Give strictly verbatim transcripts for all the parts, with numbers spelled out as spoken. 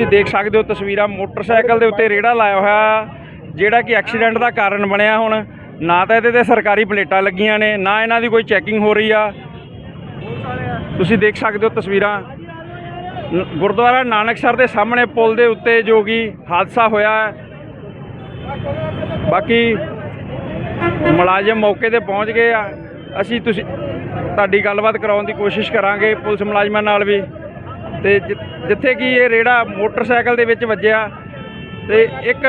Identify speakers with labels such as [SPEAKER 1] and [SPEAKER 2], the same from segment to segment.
[SPEAKER 1] ਤੁਸੀਂ ਦੇਖ ਸਕਦੇ ਹੋ ਤਸਵੀਰਾਂ, ਮੋਟਰਸਾਈਕਲ ਦੇ ਉੱਤੇ ਰੇੜਾ ਲਾਇਆ ਹੋਇਆ ਜਿਹੜਾ ਕਿ ਐਕਸੀਡੈਂਟ ਦਾ ਕਾਰਨ ਬਣਿਆ। ਹੁਣ ਨਾ ਤਾਂ ਇਹਦੇ ਤੇ ਸਰਕਾਰੀ ਪਲੇਟਾਂ ਲੱਗੀਆਂ ਨੇ, ਨਾ ਇਹਨਾਂ ਦੀ ਕੋਈ ਚੈਕਿੰਗ ਹੋ ਰਹੀ ਆ। ਤੁਸੀਂ ਦੇਖ ਸਕਦੇ ਹੋ ਤਸਵੀਰਾਂ ਗੁਰਦੁਆਰਾ ਨਾਨਕਸਰ ਦੇ ਸਾਹਮਣੇ ਪੁਲ ਦੇ ਉੱਤੇ ਜੋ ਕਿ ਹਾਦਸਾ ਹੋਇਆ ਹੈ। ਬਾਕੀ ਮੁਲਾਜ਼ਮ ਮੌਕੇ ਤੇ ਪਹੁੰਚ ਗਏ ਆ। ਅਸੀਂ ਤੁਸੀਂ ਤੁਹਾਡੀ ਗੱਲਬਾਤ ਕਰਾਉਣ ਦੀ ਕੋਸ਼ਿਸ਼ ਕਰਾਂਗੇ ਪੁਲਿਸ ਮੁਲਾਜ਼ਮਾਂ ਨਾਲ ਵੀ। ਤੇ ਜਿੱਥੇ ਕਿ ਇਹ ਰੇੜਾ ਮੋਟਰਸਾਈਕਲ ਦੇ ਵਿੱਚ ਵੱਜਿਆ ਤੇ ਇੱਕ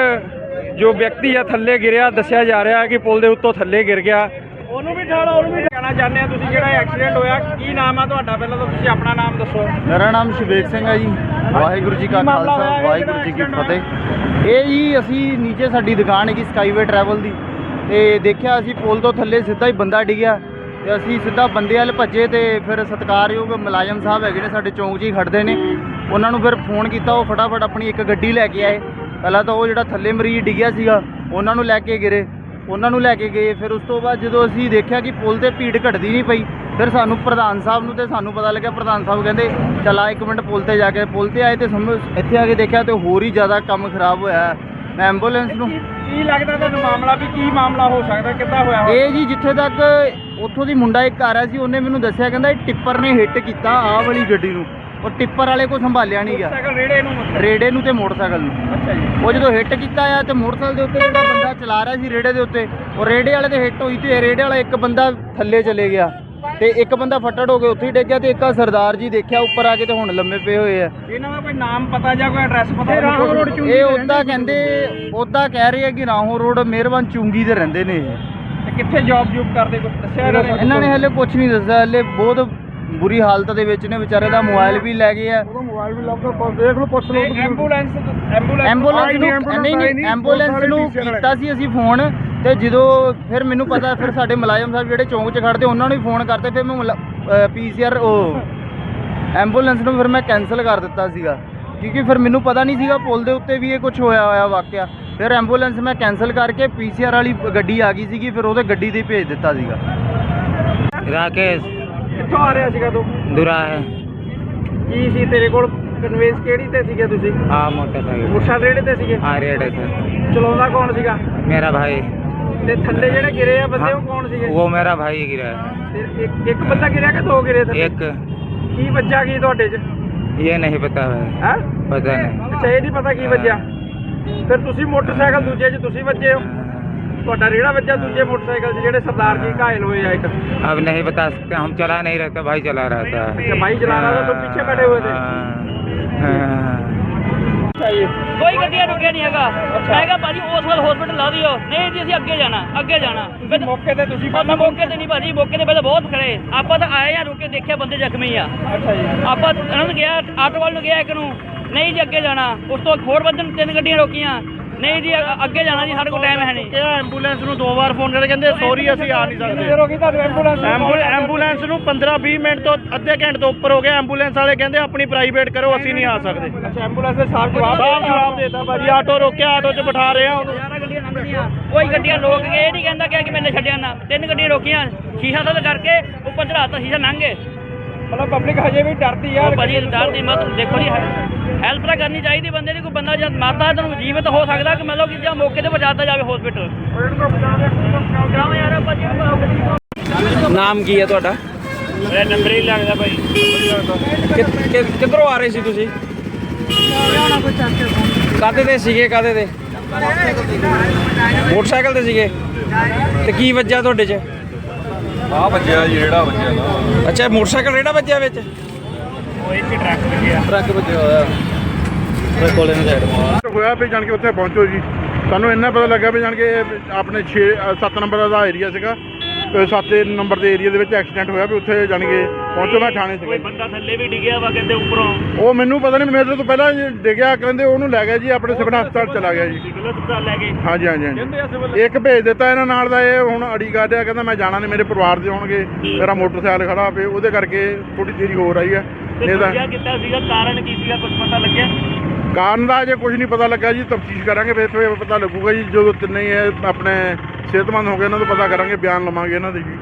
[SPEAKER 1] ਜੋ ਵਿਅਕਤੀ ਆ ਥੱਲੇ ਗਿਰਿਆ, ਦੱਸਿਆ ਜਾ ਰਿਹਾ ਕਿ ਪੁਲ ਦੇ ਉੱਤੋਂ ਥੱਲੇ ਗਿਰ ਗਿਆ। ਉਹਨੂੰ ਵੀ ਠਾੜਾ, ਉਹਨੂੰ ਵੀ ਕਹਿਣਾ ਚਾਹੁੰਦੇ ਆ ਤੁਸੀਂ ਜਿਹੜਾ ਐਕਸੀਡੈਂਟ ਹੋਇਆ, ਕੀ ਨਾਮ ਆ ਤੁਹਾਡਾ? ਪਹਿਲਾਂ ਤਾਂ ਤੁਸੀਂ ਆਪਣਾ ਨਾਮ ਦੱਸੋ।
[SPEAKER 2] ਮੇਰਾ ਨਾਮ ਸ਼ਿਵੇਕ ਸਿੰਘ ਹੈ ਜੀ। ਵਾਹਿਗੁਰੂ ਜੀ ਕਾ ਖਾਲਸਾ ਵਾਹਿਗੁਰੂ ਜੀ ਕੀ ਫਤਿਹ। ਇਹ ਜੀ ਅਸੀਂ ਨੀਚੇ ਸਾਡੀ ਦੁਕਾਨ ਹੈਗੀ ਸਕਾਈਵੇ ਟਰੈਵਲ ਦੀ, ਤੇ ਦੇਖਿਆ ਅਸੀਂ ਪੁਲ ਤੋਂ ਥੱਲੇ ਸਿੱਧਾ ਹੀ ਬੰਦਾ ਡਿੱਗਿਆ ਤੇ ਅਸੀਂ ਸਿੱਧਾ ਬੰਦੇ ਵੱਲ ਭੱਜੇ ਤੇ ਫਿਰ ਸਤਿਕਾਰਯੋਗ ਮੁਲਾਜ਼ਮ ਸਾਹਿਬ ਹੈਗੇ ਨੇ ਸਾਡੇ ਚੌਂਕ 'ਚ ਹੀ ਖੜਦੇ ਨੇ, ਉਹਨਾਂ ਨੂੰ ਫਿਰ ਫੋਨ ਕੀਤਾ। ਉਹ ਫਟਾਫਟ ਆਪਣੀ ਇੱਕ ਗੱਡੀ ਲੈ ਕੇ ਆਏ। ਪਹਿਲਾਂ ਤਾਂ ਉਹ ਜਿਹੜਾ ਥੱਲੇ ਮਰੀਜ਼ ਡਿੱਗਿਆ ਸੀਗਾ ਉਹਨਾਂ ਨੂੰ ਲੈ ਕੇ ਗਿਰੇ, ਉਹਨਾਂ ਨੂੰ ਲੈ ਕੇ ਗਏ। ਫਿਰ ਉਸ ਤੋਂ ਬਾਅਦ ਜਦੋਂ ਅਸੀਂ ਦੇਖਿਆ ਕਿ ਪੁਲ 'ਤੇ ਭੀੜ ਘਟਦੀ ਨਹੀਂ ਪਈ, ਫਿਰ ਸਾਨੂੰ ਪ੍ਰਧਾਨ ਸਾਹਿਬ ਨੂੰ ਤੇ ਸਾਨੂੰ ਪਤਾ ਲੱਗਿਆ। ਪ੍ਰਧਾਨ ਸਾਹਿਬ ਕਹਿੰਦੇ ਚਲਾ ਇੱਕ ਮਿੰਟ ਪੁਲ 'ਤੇ ਜਾ ਕੇ, ਪੁਲ 'ਤੇ ਆਏ ਤੇ ਸਮਝ ਇੱਥੇ ਆ ਕੇ ਦੇਖਿਆ ਤੇ ਹੋਰ ਹੀ ਜ਼ਿਆਦਾ ਕੰਮ ਖਰਾਬ ਹੋਇਆ। ਮੈਂ ਐਂਬੂਲੈਂਸ ਨੂੰ
[SPEAKER 1] ਕੀ ਲੱਗਦਾ ਤੁਹਾਨੂੰ ਮਾਮਲਾ ਵੀ ਕੀ ਮਾਮਲਾ ਹੋ ਸਕਦਾ, ਕਿੱਦਾਂ ਹੋਇਆ?
[SPEAKER 2] ਇਹ ਜੀ ਜਿੱਥੇ ਤੱਕ ਉੱਥੋਂ ਦੀ ਮੁੰਡਾ ਇੱਕ ਆ ਰਿਹਾ ਸੀ, ਉਹਨੇ ਮੈਨੂੰ ਦੱਸਿਆ ਕਹਿੰਦਾ ਇਹ ਟਿੱਪਰ ਨੇ ਹਿੱਟ ਕੀਤਾ ਆਹ ਵਾਲੀ ਗੱਡੀ ਨੂੰ, ਉਹ ਟਿੱਪਰ ਵਾਲੇ ਕੋਲ ਸੰਭਾਲਿਆ ਨਹੀਂ ਗਿਆ,
[SPEAKER 1] ਰੇੜੇ ਨੂੰ
[SPEAKER 2] ਰੇੜੇ ਨੂੰ ਤੇ ਮੋਟਰਸਾਈਕਲ ਨੂੰ।
[SPEAKER 1] ਅੱਛਾ ਜੀ।
[SPEAKER 2] ਉਹ ਜਦੋਂ ਹਿੱਟ ਕੀਤਾ ਆ ਤੇ ਮੋਟਰਸਾਈਕਲ ਦੇ ਉੱਤੇ ਜਿਹੜਾ ਬੰਦਾ ਚਲਾ ਰਿਹਾ ਸੀ ਰੇੜੇ ਦੇ ਉੱਤੇ, ਉਹ ਰੇੜੇ ਵਾਲੇ ਤੇ ਹਿੱਟ ਹੋਈ ਤੇ ਰੇੜੇ ਵਾਲਾ ਇੱਕ ਬੰਦਾ ਥੱਲੇ ਚਲੇ ਗਿਆ ਤੇ ਇੱਕ ਬੰਦਾ ਫੱਟੜ ਹੋ ਕੇ ਉੱਥੇ ਹੀ ਡਿੱਗ ਗਿਆ ਤੇ ਇੱਕ ਆ ਸਰਦਾਰ ਜੀ ਦੇਖਿਆ ਉੱਪਰ ਆ ਕੇ ਤੇ ਹੁਣ ਲੰਮੇ ਪਏ ਹੋਏ ਆ।
[SPEAKER 1] ਇਹਨਾਂ ਦਾ ਕੋਈ ਨਾਮ ਪਤਾ ਜਾਂ ਕੋਈ ਐਡਰੈਸ ਪਤਾ?
[SPEAKER 2] ਇਹ ਉੱਦਾਂ ਕਹਿੰਦੇ, ਉੱਦਾਂ ਕਹਿ ਰਹੇ ਆ ਕਿ ਰਾਹੋਂ ਰੋਡ ਮਿਹਰਬਾਨ ਚੁੰਗੀ ਤੇ ਰਹਿੰਦੇ ਨੇ ਇਹ।
[SPEAKER 1] ਤੇ ਕਿੱਥੇ ਜੌਬ ਜੂਬ ਕਰਦੇ ਕੁਝ ਦੱਸਿਆ ਇਹਨਾਂ ਨੇ?
[SPEAKER 2] ਇਹਨਾਂ ਨੇ ਹਲੇ ਕੁਝ ਨਹੀਂ ਦੱਸਿਆ। ਹਲੇ ਬਹੁਤ ਬੁਰੀ ਹਾਲਤ ਦੇ ਵਿੱਚ ਨੇ, ਵਿਚਾਰੇ ਦਾ ਮੋਬਾਈਲ ਵੀ ਲੈ ਗਏ ਆ।
[SPEAKER 1] ਮੋਬਾਈਲ ਵੀ ਲੱਗ ਦੇਖ ਲਓ, ਪੁੱਛ ਲਓ। ਐਂਬੂਲੈਂਸ ਐਂਬੂਲੈਂਸ
[SPEAKER 2] ਐਂਬੂਲੈਂਸ ਨੂੰ ਨਹੀਂ ਨਹੀਂ ਐਂਬੂਲੈਂਸ ਨੂੰ ਕੀਤਾ ਸੀ ਅਸੀਂ ਫੋਨ, ਤੇ ਜਦੋਂ ਫਿਰ ਮੈਨੂੰ ਪਤਾ ਫਿਰ ਸਾਡੇ ਮੁਲਾਜ਼ਮ ਸਾਹਿਬ ਜਿਹੜੇ ਚੌਂਕ 'ਚ ਖੜਦੇ ਉਹਨਾਂ ਨੂੰ ਵੀ ਫੋਨ ਕਰਤੇ। ਫਿਰ ਮੈਂ ਪੀ ਸੀ ਆਰ ਉਹ ਐਂਬੂਲੈਂਸ ਨੂੰ ਫਿਰ ਮੈਂ ਕੈਂਸਲ ਕਰ ਦਿੱਤਾ ਸੀਗਾ, ਕਿਉਂਕਿ ਫਿਰ ਮੈਨੂੰ ਪਤਾ ਨਹੀਂ ਸੀਗਾ ਪੁਲ ਦੇ ਉੱਤੇ ਵੀ ਇਹ ਕੁਝ ਹੋਇਆ ਹੋਇਆ ਵਾਕਿਆ। ਫਿਰ ਐਂਬੂਲੈਂਸ ਮੈਂ ਕੈਂਸਲ ਕਰਕੇ ਪੀ ਸੀ ਆਰ ਵਾਲੀ ਗੱਡੀ ਆ ਗਈ ਸੀਗੀ, ਫਿਰ ਉਹਦੇ ਗੱਡੀ 'ਤੇ ਭੇਜ ਦਿੱਤਾ ਸੀਗਾ।
[SPEAKER 3] ਰਾਕੇਸ਼
[SPEAKER 1] ਕਿੱਥੋਂ ਆ ਰਿਹਾ ਸੀਗਾ ਤੂੰ?
[SPEAKER 3] ਦੁਰਾ ਹੈ।
[SPEAKER 1] ਕੀ ਸੀ ਤੇਰੇ ਕੋਲ? ਕਨਵੇਂਸ ਕਿਹੜੀ ਤੇ ਸੀਗੇ ਤੁਸੀਂ?
[SPEAKER 3] हाँ मोटरसाइकिल।
[SPEAKER 1] ਮੋਟਰਸਾਈਕਲ ਰੇੜੇ ਤੇ ਸੀਗੇ?
[SPEAKER 3] हाँ रेड है सर।
[SPEAKER 1] ਚਲਾਉਂਦਾ ਕੌਣ ਸੀਗਾ?
[SPEAKER 3] मेरा भाई।
[SPEAKER 1] ਤੇ ਥੱਲੇ ਜਿਹੜੇ ਗਿਰੇ ਆ ਬੰਦੇ
[SPEAKER 3] हाँ,
[SPEAKER 1] ਉਹ ਕੌਣ ਸੀਗੇ?
[SPEAKER 3] वो मेरा भाई ही गिरा है।
[SPEAKER 1] ਤੇ ਇੱਕ ਇੱਕ ਬੰਦਾ ਗਿਰਿਆ ਕਿ ਦੋ ਗਿਰੇ ਥੱਲੇ?
[SPEAKER 3] एक
[SPEAKER 1] ਕੀ ਵੱਜਾ ਕੀ ਤੁਹਾਡੇ 'ਚ?
[SPEAKER 3] ये नहीं पता है।
[SPEAKER 1] ਹੈ
[SPEAKER 3] पता नहीं।
[SPEAKER 1] ਅੱਛਾ, ਇਹ ਨਹੀਂ ਪਤਾ ਕੀ ਵੱਜਿਆ। ਫਿਰ ਤੁਸੀਂ ਮੋਟਰਸਾਈਕਲ ਦੂਜੇ 'ਚ ਤੁਸੀਂ ਵੱਜੇ ਹੋ, ਤੁਹਾਡਾ ਰੇੜਾ ਵੱਜਾ ਦੂਜੇ ਮੋਟਰਸਾਈਕਲ 'ਚ ਜਿਹੜੇ ਸਰਦਾਰ ਜੀ ਘਾਇਲ ਹੋਏ ਆ ਇੱਕ।
[SPEAKER 3] अब नहीं बता सकते, हम चला नहीं रहता, भाई चला रहा था।
[SPEAKER 1] अच्छा, भाई चला रहा था, तुम पीछे बैठे हुए थे?
[SPEAKER 3] हाँ।
[SPEAKER 4] ਕੋਈ ਗੱਡੀਆਂ ਰੁਕਿਆ ਨਹੀਂ ਹੈਗਾ। ਮੈਂ ਕਿਹਾ ਭਾਜੀ ਉਸ ਵਾਲ ਹਸਪੀਟਲ ਲਾ ਦਿਓ। ਨਹੀਂ ਜੀ ਅਸੀਂ ਅੱਗੇ ਜਾਣਾ, ਅੱਗੇ ਜਾਣਾ।
[SPEAKER 1] ਤੁਸੀਂ ਮੌਕੇ ਤੇ ਤੁਸੀਂ
[SPEAKER 4] ਆਪਾਂ ਮੌਕੇ ਤੇ ਨਹੀਂ ਭਾਜੀ, ਮੌਕੇ ਤੇ ਪਹਿਲਾਂ ਬਹੁਤ ਖੜੇ। ਆਪਾਂ ਤਾਂ ਆਏ ਆ, ਰੁਕੇ ਦੇਖਿਆ ਬੰਦੇ ਜ਼ਖਮੀ ਆ।
[SPEAKER 1] ਅੱਛਾ ਜੀ।
[SPEAKER 4] ਆਪਾਂ ਇਹਨਾਂ ਨੂੰ ਗਿਆ, ਆਟੋ ਵਾਲ ਨੂੰ ਗਿਆ ਇੱਕ ਨੂੰ, ਨਹੀਂ ਜੀ ਅੱਗੇ ਜਾਣਾ। ਉਸ ਤੋਂ ਹੋਰ ਬੰਦੇ ਨੂੰ ਤਿੰਨ ਗੱਡੀਆਂ ਰੋਕੀਆਂ, ਨਹੀਂ ਜੀ ਅੱਗੇ ਜਾਣਾ ਜੀ, ਸਾਡੇ ਕੋਲ ਟਾਈਮ ਹੈ ਨਹੀਂ।
[SPEAKER 2] ਕਿਹਾ ਐਂਬੂਲੈਂਸ ਨੂੰ ਦੋ ਵਾਰ ਫੋਨ ਕਰਕੇ ਕਹਿੰਦੇ ਸੌਰੀ ਅਸੀਂ ਆ ਨਹੀਂ ਸਕਦੇ।
[SPEAKER 1] ਰੋਕੀ ਤੁਹਾਨੂੰ ਐਂਬੂਲੈਂਸ?
[SPEAKER 2] ਐਂਬੂਲੈਂਸ ਨੂੰ ਪੰਦਰਾਂ ਵੀਹ ਮਿੰਟ ਤੋਂ ਅੱਧੇ ਘੰਟੇ ਤੋਂ ਉੱਪਰ ਹੋ ਗਿਆ। ਐਂਬੂਲੈਂਸ ਵਾਲੇ ਕਹਿੰਦੇ ਆਪਣੀ ਪ੍ਰਾਈਵੇਟ ਕਰੋ, ਅਸੀਂ ਨਹੀਂ ਆ ਸਕਦੇ।
[SPEAKER 1] ਅੱਛਾ, ਐਂਬੂਲੈਂਸ ਦੇ ਸਾਫ ਜਵਾਬ
[SPEAKER 2] ਸਾਫ਼ ਜਵਾਬ ਦੇਤਾ ਭਾਜੀ। ਆਟੋ ਰੋਕਿਆ, ਆਟੋ 'ਚ ਬਿਠਾ ਰਹੇ ਆ ਉਹਨੂੰ।
[SPEAKER 4] ਗਿਆਰਾਂ ਗੱਡੀਆਂ ਲੰਘਦੀਆਂ, ਕੋਈ ਗੱਡੀਆਂ ਰੋਕ ਕੇ ਇਹ ਨਹੀਂ ਕਹਿੰਦਾ ਕਿ ਮੈਨੇ ਛੱਡਿਆ ਨਾ। ਤਿੰਨ ਗੱਡੀਆਂ ਰੋਕੀਆਂ, ਸ਼ੀਸ਼ਾ ਥੱਲੇ ਕਰਕੇ ਉੱਪਰ ਚੜਾਤਾ, ਸ਼ੀਸ਼ਾ ਲੰਘ ਗਏ।
[SPEAKER 1] ਮਤਲਬ ਪਬਲਿਕ ਹਜੇ ਵੀ ਡਰਦੀ ਆ
[SPEAKER 4] ਭਾਜੀ ਡਰ ਦੀ ਮਤ ਦੇਖੋ ਜੀ, ਹੈਲਪ ਤਾਂ ਕਰਨੀ ਚਾਹੀਦੀ ਬੰਦੇ ਦੀ। ਕੋਈ ਬੰਦਾ ਜਦ ਮਾਰਦਾ ਹੈ ਤੁਹਾਨੂੰ ਜੀਵਤ ਹੋ ਸਕਦਾ ਕਿ ਮਤਲਬ ਕਿ ਜਾਂ ਮੌਕੇ ਤੇ ਪਹੁੰਚਾਤਾ ਜਾਵੇ ਹਸਪੀਟਲ।
[SPEAKER 1] ਨਾਮ ਕੀ ਹੈ ਤੁਹਾਡਾ?
[SPEAKER 4] ਮੇਰਾ ਨੰਬਰ ਹੀ ਲੱਗਦਾ ਭਾਈ।
[SPEAKER 1] ਕਿੱਧਰੋਂ ਆ ਰਹੇ ਸੀ ਤੁਸੀਂ? ਕਾਹਦੇ ਤੇ ਸੀਗੇ? ਕਾਹਦੇ ਤੇ? ਮੋਟਰਸਾਈਕਲ ਤੇ ਸੀਗੇ। ਤੇ ਕੀ ਵੱਜਿਆ ਤੁਹਾਡੇ 'ਚ?
[SPEAKER 5] ਆ ਵੱਜਿਆ ਜੀ, ਰੇੜਾ ਵੱਜਿਆ ਨਾ।
[SPEAKER 1] ਅੱਛਾ, ਮੋਟਰਸਾਈਕਲ ਰੇੜਾ ਵੱਜਿਆ ਵਿੱਚ?
[SPEAKER 4] ਉਹ ਇੱਕ ਟਰੱਕ ਲੱਗਿਆ।
[SPEAKER 2] ਟਰੱਕ ਵੱਜਿਆ ਹੋਇਆ ਕੋਲੇ ਨੂੰ ਸਾਈਡ
[SPEAKER 5] ਹੋਇਆ ਵੀ ਜਾਣ ਕੇ ਉੱਥੇ ਪਹੁੰਚੋ ਜੀ। ਸਾਨੂੰ ਇੰਨਾ ਪਤਾ ਲੱਗਾ ਵੀ ਜਾਣ ਕੇ ਆਪਣੇ ਛੇ ਸੱਤ ਨੰਬਰ ਦਾ ਏਰੀਆ ਸੀਗਾ, ਸੱਤ ਨੰਬਰ ਦੇ ਏਰੀਆ ਦੇ ਵਿੱਚ ਐਕਸੀਡੈਂਟ ਹੋਇਆ ਵੀ ਉੱਥੇ ਜਾਣ ਕੇ ਪਹੁੰਚੋ। ਮੈਂ ਥਾਣੇ ਸੀਗਾ।
[SPEAKER 4] ਕੋਈ ਬੰਦਾ ਥੱਲੇ ਵੀ ਡਿੱਗਿਆ ਵਾ ਕਹਿੰਦੇ ਉੱਪਰੋਂ।
[SPEAKER 5] ਉਹ ਮੈਨੂੰ ਪਤਾ ਨਹੀਂ, ਮੇਰੇ ਤੋਂ ਪਹਿਲਾਂ ਡਿੱਗਿਆ ਕਹਿੰਦੇ, ਉਹਨੂੰ ਲੈ ਗਿਆ ਜੀ ਆਪਣੇ ਸਿਵਲ ਹਸਪਤਾਲ ਚਲਾ ਗਿਆ ਜੀ।
[SPEAKER 4] ਸਿਵਲ ਹਸਪਤਾਲ ਲੈ ਗਏ।
[SPEAKER 5] ਹਾਂਜੀ ਹਾਂਜੀ ਹਾਂਜੀ। ਇੱਕ ਭੇਜ ਦਿੱਤਾ ਇਹਨਾਂ ਨਾਲ ਦਾ, ਇਹ ਹੁਣ ਅੜੀ ਕਾਢਿਆ, ਕਹਿੰਦਾ ਮੈਂ ਜਾਣਾ ਨਹੀਂ, ਮੇਰੇ ਪਰਿਵਾਰ ਦੇ ਹੋਣਗੇ, ਮੇਰਾ ਮੋਟਰਸਾਈਕਲ ਖੜਾ ਪਏ, ਉਹਦੇ ਕਰਕੇ ਥੋੜੀ ਦੇਰੀ ਹੋਰ ਆਈ ਹੈ।
[SPEAKER 4] ਨਹੀਂ ਤਾਂ ਕੀਤਾ ਸੀਗਾ, ਕਾਰਨ ਕੀ ਸੀਗਾ, ਕੁਝ ਪਤਾ ਲੱਗਿਆ?
[SPEAKER 5] ਕਾਰਨ ਦਾ ਅਜੇ ਕੁਝ ਨਹੀਂ ਪਤਾ ਲੱਗਾ ਜੀ, ਤਫਤੀਸ਼ ਕਰਾਂਗੇ ਫਿਰ ਪਤਾ ਲੱਗੂਗਾ ਜੀ। ਜਦੋਂ ਤਿੰਨੇ ਹੀ ਆਪਣੇ ਸਿਹਤਮੰਦ ਹੋ ਗਏ ਇਹਨਾਂ ਤੋਂ ਪਤਾ ਕਰਾਂਗੇ, ਬਿਆਨ ਲਵਾਂਗੇ ਇਹਨਾਂ ਦੇ ਜੀ।